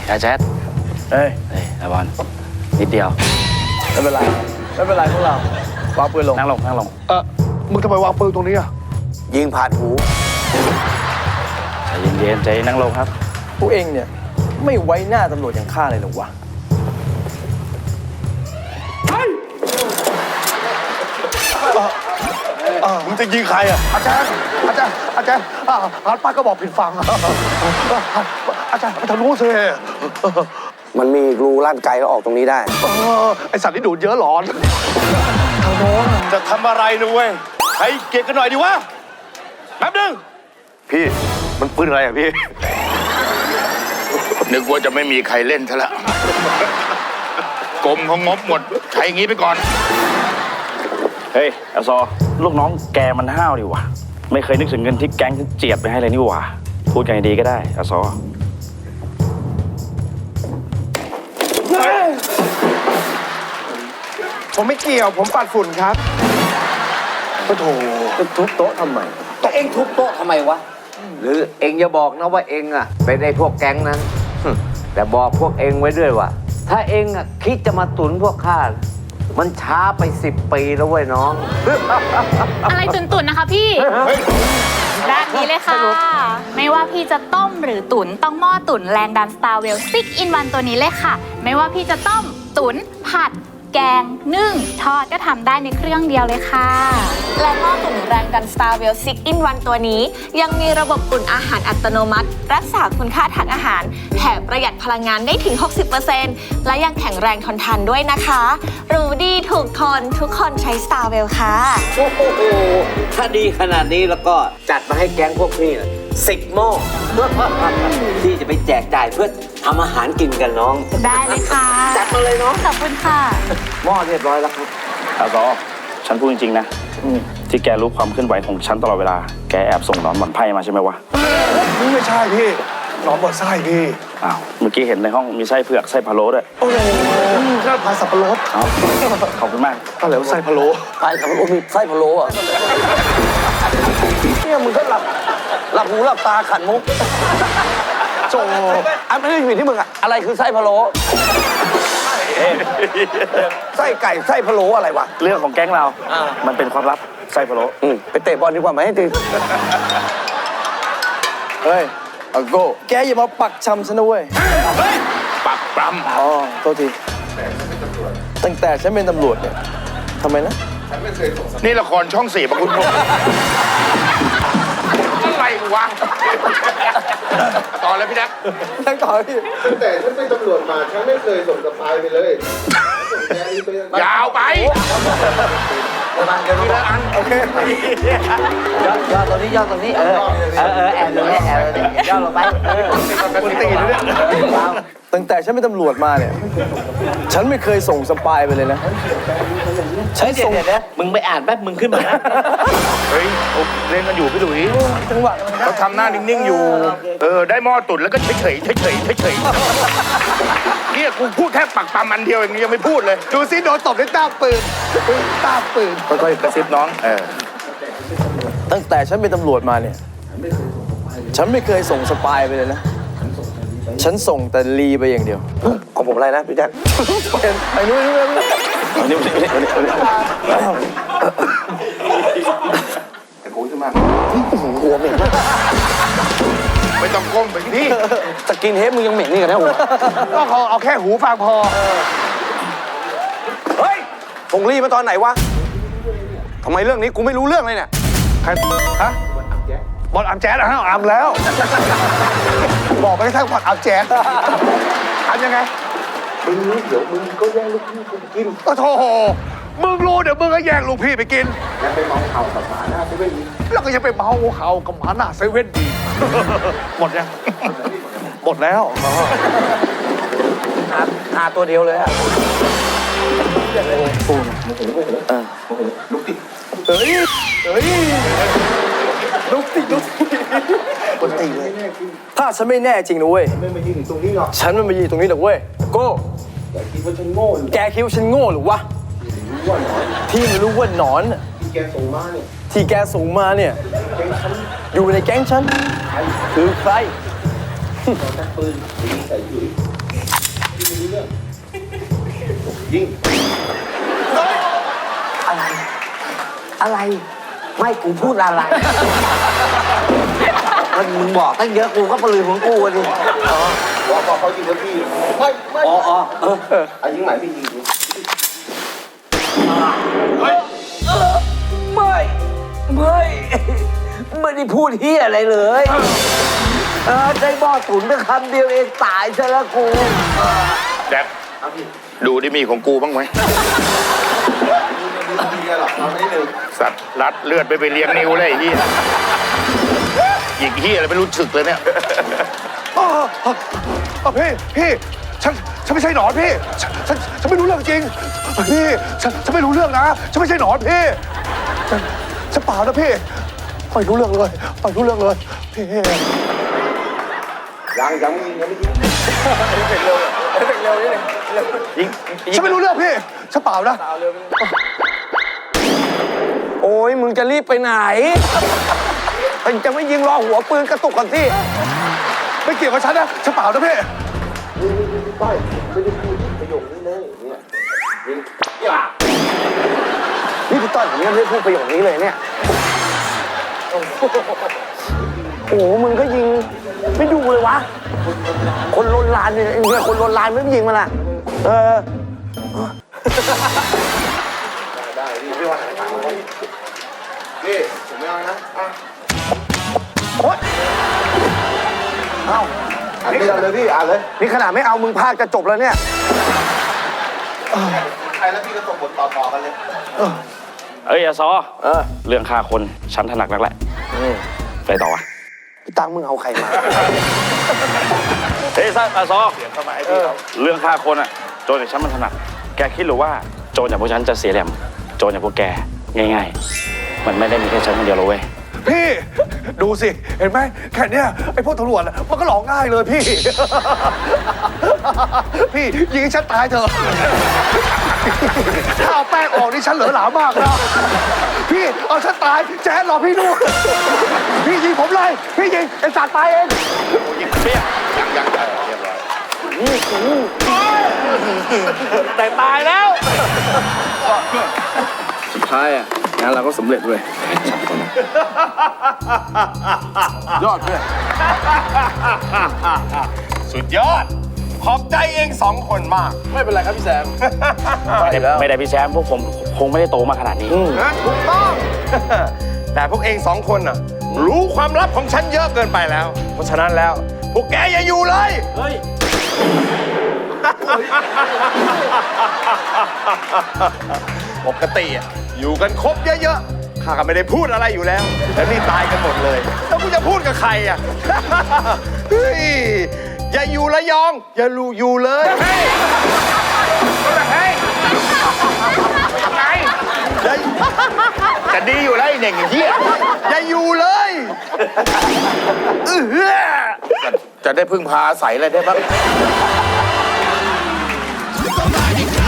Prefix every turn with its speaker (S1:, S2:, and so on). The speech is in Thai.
S1: อาแจ๊ดเฮ้ยไอ้บอลนิดเดียว
S2: ไม่เป็นไรพวกเราวางปืนลง
S1: นั่งลง
S2: มึงทำไมวางปืนตรงนี้อ่ะ
S3: ยิงผ่านหู
S1: ใจเย็นใจนั่งลงครับ
S2: พวกเองเนี่ยไม่ไว้หน้าตำรวจอย่างข้าเลยหรอวะมึงจะยิงใครอ่ะอาจารย์หันป้าก็บอกผิดฝั่งอาจารย์ไปทางนู้นสิ
S3: มันมีรูลั่นไกลแล้วออกตรงนี้ได้
S2: ไอสัตว์ที่ดูดเยอะหลอนทางโน้นจะทำอะไรนะเว้ยให้เกียรติกันหน่อยดิวะแป๊บนึงพี่มันปืนอะไรอ่ะพี่
S4: นึกว่าจะไม่มีใครเล่นซะละกรมเขางบหมดใช้อย่างนี้ไปก่อน
S1: เฮ้ยอาซอลูกน้องแกมันห้าวดิวะไม่เคยนึกถึงเงินที่แก๊งเจียดไปให้เลยนี่หว่าพูดกันดีก็ได้อาซอ
S2: ผมไม่เกี่ยวผมปัดฝุ่นครับโอ้โหทุบโต๊ะทำไม
S3: แต่เอ็งทุบโต๊ะทำไมวะหรือเอ็งอย่าบอกนะว่าเอ็งอ่ะเป็นไอ้พวกแก๊งนั้นแต่บอกพวกเอ็งไว้ด้วยว่าถ้าเอ็งอ่ะคิดจะมาตุนพวกข้ามันช้าไป10 ปีแล้วเว้ยน้อง
S5: อะไรตุนๆนะคะพี่แบบนี้เลยค่ะไม่ว่าพี่จะต้มหรือตุ๋นต้องหม้อตุ๋นแรงดัน Starwell 6 in 1 ตัวนี้เลยค่ะไม่ว่าพี่จะต้มตุ๋นผัดแกงนึ่งทอดก็ทำได้ในเครื่องเดียวเลยค่ะ
S6: และหม้อตุ๋นแรงดัน Starwell 6 in 1 ตัวนี้ยังมีระบบตุ๋นอาหารอัตโนมัติรักษาคุณค่าทางอาหารแถมประหยัดพลังงานได้ถึง 60% และยังแข็งแรงทนทานด้วยนะคะรู้ดีถูกทนทุกคนใช้ Starwell ค่ะ
S3: โอ้โหถ้าดีขนาดนี้แล้วก็จัดมาให้แก๊งพวกพี่10 หม้อที่จะไปแจกจ่ายเพื่อทำอาหารกินกันน้อง
S5: ได้เลยค่ะ
S3: จัดมาเลยน้อง
S5: ขอบคุณค่ะ
S3: หม้อเรียบร้อยแล้วครับ
S1: อาซอฉันพูดจริงๆนะที่แกรู้ความเคลื่อนไหวของฉันตลอดเวลาแกแอบส่งหนอนบ่อนไพ่มาใช่ไหมวะ
S2: ไม่ใช่พี่หนอนบ่อนไส้พี่
S1: อ้าวเมื่อกี้เห็นในห้องมีไส้เผือกไส้พะโล้ด้วย
S2: โอ้โหน่าพายสับปะรด
S1: ขอบคุณมาก
S2: อะไรวะไส้พะโล้
S3: ไส้สับปะรดมีไส้พะโล้อะเนี่ยมึงก็หลับหูหลับตาขันมุกโจอันไม่ได้อยู่ที่มึงอะอะไรคือไส้พะโล้ไส้ไก่ไส้พะโล้อะไรวะ
S1: เรื่องของแก๊งเรามันเป็นความลับไส้พะโล้
S3: ไปเตะบอลดีกว่าไหมให้ตี
S2: เฮ้ยอังโก้แกอย่ามาปักชำฉันนะเว้ย
S4: ปักปรำ
S2: อ๋อโทษทีตั้งแต่ฉันเป็นตำรวจเนี่ยทำไมนะ
S4: นี่ละครช่อง4ประคุณพงษ์อะไรวะต่อเลยพี่นัก
S2: นั่งต่อพี่
S7: แต่ฉันเป็นตำรวจมาฉันไม่เคยส่งสปายไปเลย
S4: ยาวไป
S2: โอเค
S3: ย่อตรงนี้ย่อตรงนี้แอบตรงนี้แอบย่อลงไป
S2: คุณตีนเนี่ยตั้งแต่ฉันเป็นตำรวจมาเนี่ยฉันไม่เคยส่งสปายไปเลยนะ
S3: ฉันส่งเนี่ยมึงไปอ่านแป๊บมึงขึ้นมานะ
S4: เฮ้ยเล่นกันอยู่พี่ดุย
S2: จังหวะ
S4: เขาทำหน้านิ่งๆอยู่ได้หม้อตุ๋นแล้วก็เฉยเนี่ยกูพูดแค่ปักปามอันเดียวอย่างนี้ยังไม่พูดเลย
S2: ดูซิโดนตบด้วยต้าปืน
S4: ค่อยๆกระซิบน้อง
S2: ตั้งแต่ฉันเป็นตำรวจมาเนี่ยฉันไม่เคยส่งสปายไปเลยนะฉันส่งแต่ลีไปอย่างเดียว
S3: ของผมอะไรนะพี่แจ๊ค
S2: ไอ้นู้น
S3: หัวเหม็น
S4: ไม่ต้องก้มไปพี่
S3: สกินเฮดมึงยังเหม็นนี่กันนะหัว
S2: ก็เอาแค่หูฟังพอ
S3: เฮ้ยส่งลีมาตอนไหนวะทำไมเรื่องนี้กูไม่รู้เรื่องเลยเนี่ย
S2: ใครฮะบอลอัมแจ๊ดฮะอัมแล้วบอกไปแค่บอลอัมแจ๊ดอัมยังไง
S7: มึงรู้เดี๋ยวมึงก็แย่งลูกพี่กูกิน
S2: โอ้โหมึงรู้เดี๋ยวมึงก็แย่งลูกพี่ไปกิน
S7: แล้วไปเมาเข่ากับหมาหน้าเซเว่นดี
S2: แล้วก็ยังไปเมาเข่ากับหมาหน้าเซเว่นดีหมดยังหมดแล้ว
S3: หาตัวเดียวเลยอะ
S7: ลุกติ
S2: เฮ้ยลุกติคนตีเลยถ้าฉันไม่แน่จริงนะเว้ย
S7: ไม่มายืนตรงนี้หรอก
S2: ฉันไม่มายืนตรงนี้หรอกเว้ยโก้
S7: แกคิดว่าฉันโง่
S2: แกคิดว่าฉันโง่หรือวะที่ไม่รู้ว่าหนอน
S7: ที่แกส่งมาเนี่ย
S2: อยู่ในแก๊งฉันคือใคร
S7: ปืนใส่ยุ้ยยิง
S3: อะไร อะไร ไม่กูพูดอะไร มันมึงบอกตั้งเยอะกูก็ปลือของกูอะดิ
S7: บอกเขายิงแล้วพี่ไม่
S3: อ๋อ
S7: อ่ะยิงใหม่พี่ยิง
S3: ไม่ได้พูดเฮียอะไรเลยได้หม้อตุ๋นไปคำเดียวเองตายซะแล้วกู
S4: แจ็คดูดิมีของกูบ้างไหม
S7: ไม่ดีหรอกเราไม่ได้หนึ่ง
S4: สัตว์รัดเลือดไปเลี้ยงนิ้วเลยไอ้เหี้ยหยิกเหี้ยอะไรไม่รู้สึกเลยเนี่ย
S2: พี่ฉันไม่ใช่หนอนพี่ฉันไม่รู้เรื่องจริงพี่ฉันไม่รู้เรื่องนะฉันไม่ใช่หนอนพี่ฉันเปล่านะพี่ไม่รู้เรื่องเลยไม่รู้เรื่องเลยพี่
S7: ยังไม่ยิงยังไม่ยิงเป็นเร็วนี่เลย
S2: ฉันไม่รู้เรื่องพี่ฉันเปล่านะ
S3: โอ้ยมึงจะรีบไปไหนมึงจะไม่ยิงรอหัวปืนกระตุกกันสิ
S2: ไม่เกี่ยวกับฉันนะฉันเปล่านะพี่
S7: ป้ายไม่ได้พูดประโยคนี้เลยเนี่ยยิง
S3: นี่พี่ต้อยผมยังไม่ได้พูดประโยคนี้เลยเนี่ยโอ้โหมึงก็ยิงไม่ดูเลยวะคนลนลานเนี่ยคนลนลานไม่ยิงมันล่ะ
S7: ได้พี่ไม่ว่าไหนถามมาพี่ผมไม่เอานะ
S2: โอ๊ย
S7: อ่านพี่เอาเลยพี่อ่านเลย
S3: นี่ขนาดไม่เอามึงพากจะจบแล้วเนี่ย
S7: ใครแล้วพี่ก็ส่งบทต่อกันเลย
S1: เอ้ยอาซอเรื่องฆ่าคนฉันถนัดนักแหละไปต่อวะ
S3: พี่ตังมึงเอาใครมา
S1: เฮ้ยอาซอเรื่องฆ่าคนอะโจรอย่างฉันมันถนัดแกคิดหรือว่าโจรอย่างพวกฉันจะเสียแหลมโจรอย่างพวกแกง่ายๆมันไม่ได้มีแค่ฉันคนเดียวหรอกเว้ย
S2: พี่ดูสิเห็นไหมแค่เนี้ยไอ้พวกตำรวจอะมันก็หลอกง่ายเลยพี่ พี่ยิงให้ฉันตายเถอะถ้าเอาแป้งออกนี่ฉันเหลือหลามากนะพี่เอาฉันตายแจ๊ดรอพี่ดูพี่ยิงผมเลยพี่ยิงไอ้สัตว์ตายเอง
S4: ยิงเปี้ยยังเรียบร้อย
S1: แต่ตายแล้ว
S7: สุดท้ายอ่ะงานเราก็สำเร็จเว้ยยอดเพื่อน
S2: สุดยอดขอบใจเองสองคนมาก
S7: ไม่เป็นไรครับพี่แซม
S1: ไม่ได้พี่แชมป์พวกผมคงไม่ได้โตมาขนาดนี้
S2: ถูกต้อง แต่พวกเองสองคนน่ะรู้ความลับของฉันเยอะเกินไปแล้ว เพราะฉะนั้นแล้ว พวกแกอย่าอยู่เลย ปกติอะอยู่กันครบเยอะๆข้าก็ไม่ได้พูดอะไรอยู่แล้วแล้วนี่ตายกันหมดเลยแล้วกูจะพูดกับใครอ่ะ เฮ้ยอย่าอยู่ระยอง อย่าอยู่เลยเฮ้ยเฮ้ยทำไง
S4: จะดีอยู่แล้วไอ้เน่งไอ้เหี้ย
S2: อย่าอยู่เลย
S4: จะได้พึ่งพาอาศัยอะไรได้บ้าง
S8: Somebody